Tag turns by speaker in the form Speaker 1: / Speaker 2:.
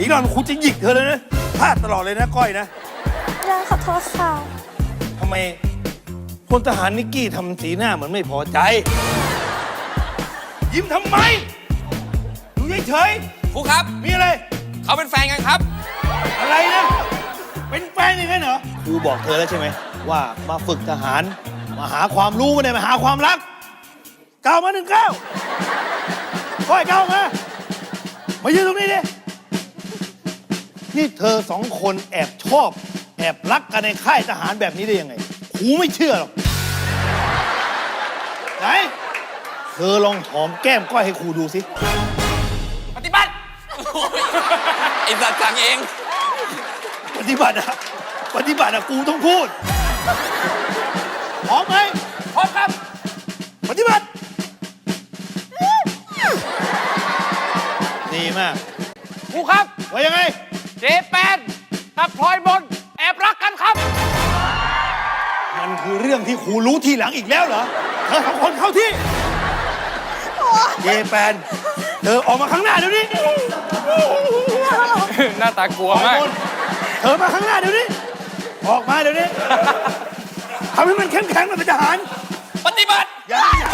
Speaker 1: อีกหน่อยครูจะหยิกเธอเลยนะพลาดตลอดเลยนะก้อยนะ
Speaker 2: ย่าขอโทษค่ะ
Speaker 1: ทำไมพลทหารนิกกี้ทำสีหน้าเหมือนไม่พอใจ ยิ้มทำไมอยู่เฉย
Speaker 3: ครูครับ
Speaker 1: ๆมีอะไร
Speaker 3: เขาเป็นแฟนกันครับ
Speaker 1: อะไรนะ เป็นแฟนอย่างนั้นเหรอ ครูบอกเธอแล้วใช่ไหม ว่ามาฝึกทหาร มาหาความรู้ไม่ได้มาหาความรักก้าวมา1 ก้าวก้อยก้าวมายืนตรงนี้ดิ นี่เธอ2 คนแอบชอบ แอบรักกันในค่ายทหารแบบนี้ได้ยังไง ครูไม่เชื่อหรอก ไหน เธอลองหอมแก้มก้อยให้ครูดูสิ
Speaker 3: ปฏิบัติ ไอ้สัตว์สั่งเอง
Speaker 1: ปฏิบัติอะกูต้องพูดพร้อมไหม
Speaker 3: พร้อมครับ
Speaker 1: ปฏิบัติดีมาก
Speaker 3: ครูครับ
Speaker 1: ว่ายังไง
Speaker 3: เจแปนกับพลอยบนแอบรักกันครับ
Speaker 1: มันคือเรื่องที่ครูรู้ทีหลังอีกแล้วเหรอ เธอ2 คนเข้าที่เยแปนเธอออกมาข้างหน้าเดี๋ยวนี้
Speaker 3: หน้าตากลัวมาก
Speaker 1: เธอมาข้างหน้าเดี๋ยวนี้ ออกมาเดี๋ยวนี้ทำให้มันเข้มแข็งมันเป็นทหาร
Speaker 3: ปฏิบัติ
Speaker 1: อย่า